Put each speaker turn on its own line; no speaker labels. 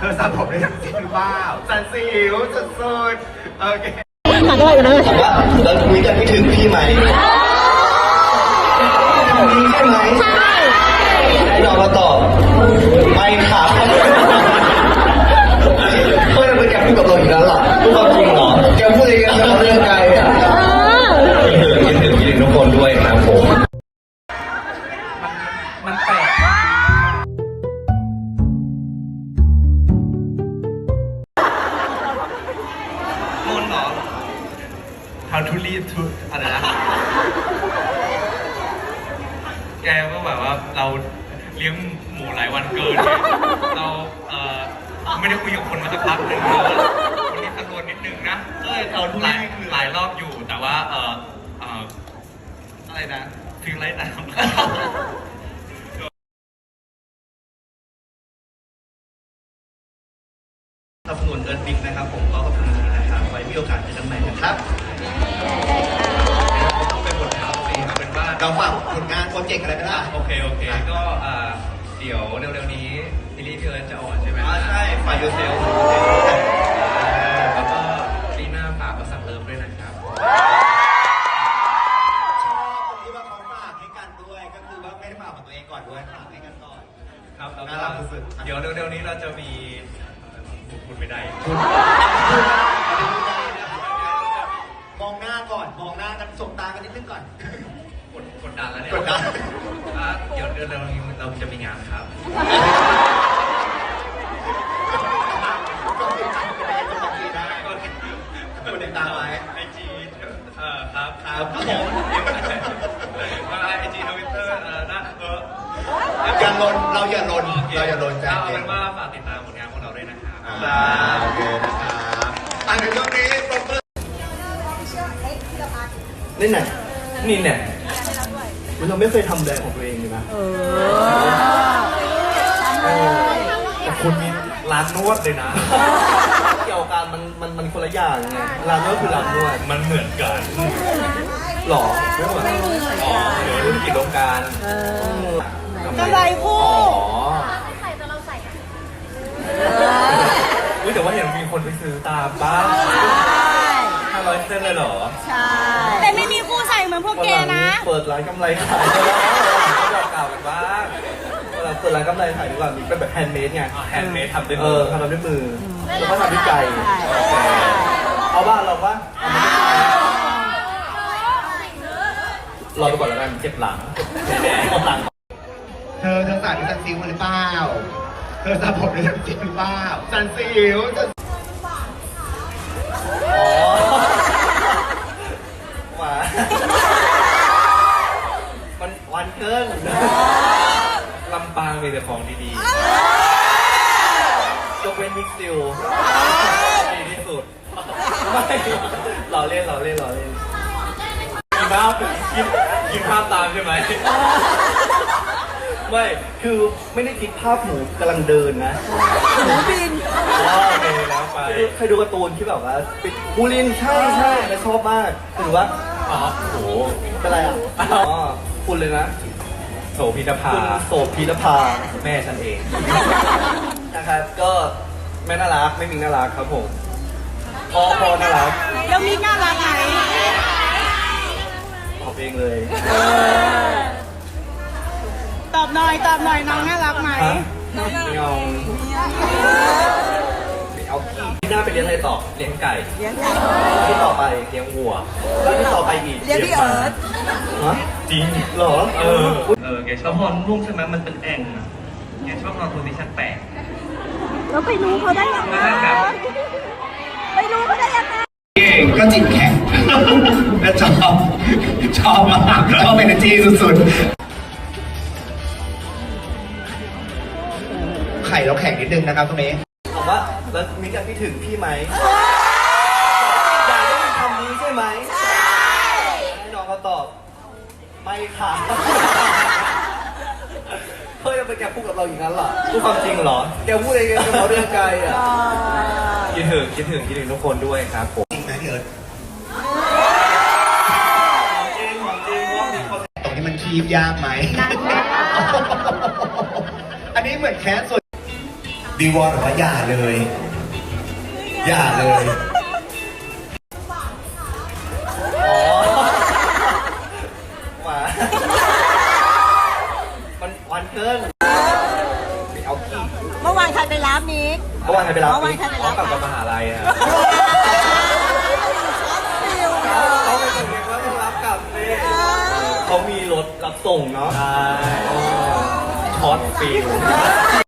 อสระผมได้ทั้งสิ้นหรือเปล่าสันสิวสุดๆโอเค
ถามได้กันนะ
ว่าเราคุยกันไม่ถึงพี่ไหมมีใช่ไหมใช่ให้น้องมาตอบไม่ครับเฮ้ยมันแกพูดกับเราอีกแล้วหรอพูดความจริงเหรอแกพูดเองกันเราเรื่องไกลอ่ะคิดถึงทุกคนด้วยครับผม
มันแปลกมนเหรอ How to lead to อะไรนะแกก็แบบว่าเราเลี้ยงหมูหลายวันเกินเราไม่ได้คุยกับคนมาสักพักหนึ่งแล้ววันนี้ตะโกนนิดนึงนะหลายรอบอยู่แต่ว่าอะไรนะฟิลไลท์น้ำ
สนับสนุนเอิร์ธบิ๊กนะครับผมก็ขอบคุณนะครับไว้มีโอกาสเจอกันใหม่นะครับ
ต้องเป็นบทข่าวสิเป็นว่า
เราฝากผลงานโปรเจกต์อะไรก็ได้
โอเคก็เดี๋ยวเร็วๆนี้ซีรีส์พี่เอิร์ธจะออนใช่ไหม
ใช่ฝ่ายยูเซล
แล้วก็ปีหน้าฝากประสักเลิฟด้วยนะครับ
ชอบตรงที่ว่าเขาฝากให้กันด้วยก็คือว่าไม่ได้ฝากกับตัวเองก่อนด้วยฝากให้กันก่อน
ครับแล้วก็เดี๋ยวเร็วๆนี้เราจะมีพูดไม่ได้
มองหน้าก่อนมองหน้ากันสบตากันนิดนึงก่อน
กดดันแล้วเนี่ย
กดดัน
เดี๋ยวเร็วๆนี้เราจะมีงานครับ
กดติดตามไว้
ไอจีครับ
ผม
ไอจีทวิตเตอร์นะ
อย่าลนเราอย่าลนจ้า
เอาเป็นว่าฝากติดตามผลงานของเราด้วยนะครับ
โอเคนะครับในช่วงนี้ปรบมือนี่ไหนนี่เนี่ยเราไม่เคยทำแบรนด์ของตัวเองเลยนะ
แต่คุณมีร้านนวดเลยนะ
เกี่ยวกันมันคนละอย่างไงร้านนวดคือร้านนวด
มันเหมือนกัน
หรอไม่เหมือน
อ๋อเดี๋ยวรุ่นกิจการ
กำไรคู่
ใส่แต่เราใส่แต่ว่าเห็นมีคนไปซื้อตามบ้าง500 เส้นเลยเหรอ
ใช่แต่ไม่มีคู่ใส่เหมือนพวกแกนะ
เปิดร้านกำไรขาย
บอกกล่าวกันบ้าง
เราเปิดร้านกำไรขายดีกว่ามีเป็นแบบแฮนด์เมดไง
แฮนด์เมดทำด้วยมือ
ทำด้วยมือแล้วก็ทำด้วยใจเอาบ้านเราปะรอไปก่อนแล้วกันเจ็บหลังเธอสาดด้วยซันซิลหรือเปล่าเธอสาผมด้วยซันซิลหรือเปล่าซันซิลมันวันเกิน
ลำปางมีแต่ของดี
ๆยกเว้นมิกซิล
ดีที่สุด
ไม่หล่อเล่น
กินภาพตามใช่ไหม
ไม่คือไม่ได้คิดภาพหมูกำลังเดินนะ
หมูบิน
โอเคแล้วไป
เคยดูการ์ตูนที่แบบว่าปิดบูลินใช่แล้วชอบมากคือว่า
อ๋อโห
เป็นไรคุณเลยนะ
โสภิรภาแม่ฉันเอง
นะครับก็แม่น่ารักไม่มีน่ารักครับผมพ่อน่ารัก
แล้วมีน่ารักไหม
ตอบเองเลย
ตอบหน่อยน้องน่ารักไหม
ไม่เอาพี่หน้าไปเลี้ยงอะไรต่อ
เลี้ยงไก่
ที่ต่อไป
เลี้ยงวัว
ที่ต่อไปอีก
เลี้ยงพี่เอิร์ธ
จริง
เหรอ
แกชอบนอนรุ่งใช่ไหมมันเป็นแอ่งแกชอบนอนโพซิชั่นแปลก
แล้วไปรู้เขาได้ยังไง
ก็จิตแข็งและชอบมากชอบเอเนอร์จีสุดๆไข่เราแข็งนิดนึงนะครับตรงนี้ถามว่าแล้วมีการคิดถึงพี่ไหมอยากได้คำนี้ใช่ไหมใช่ให้น้องเขาตอบไม่ค่ะเฮ้ยมันแกพูดกับเราอย่างนั้นเหรอพูดความจริงเหรอแกพูดอะไรกันเราเรื่องไกลอ่ะ
คิดถึงทุกคนด้วยครับผม
จริงไหมพี่เอิร์ธจริงว่ามีคนตรงนี้มันคีบยากไหมอันนี้เหมือนแคสส่วน
วิงวอนบอกว่าอย่าเลย อย่าเลย
อ๋อหมามันวันเกินไปเอาขี้
เมื่อวานใครไปรับมิก
เมื่อวานใครไปรับ
เมื่อวานใครไปรับ
กลับจากมหาลัยอะ
ฟิว
เขาไปถึงเองว่าต้องรับกลับเลยเขามีรถรับส่งเนาะ ใช่ช็อตฟิล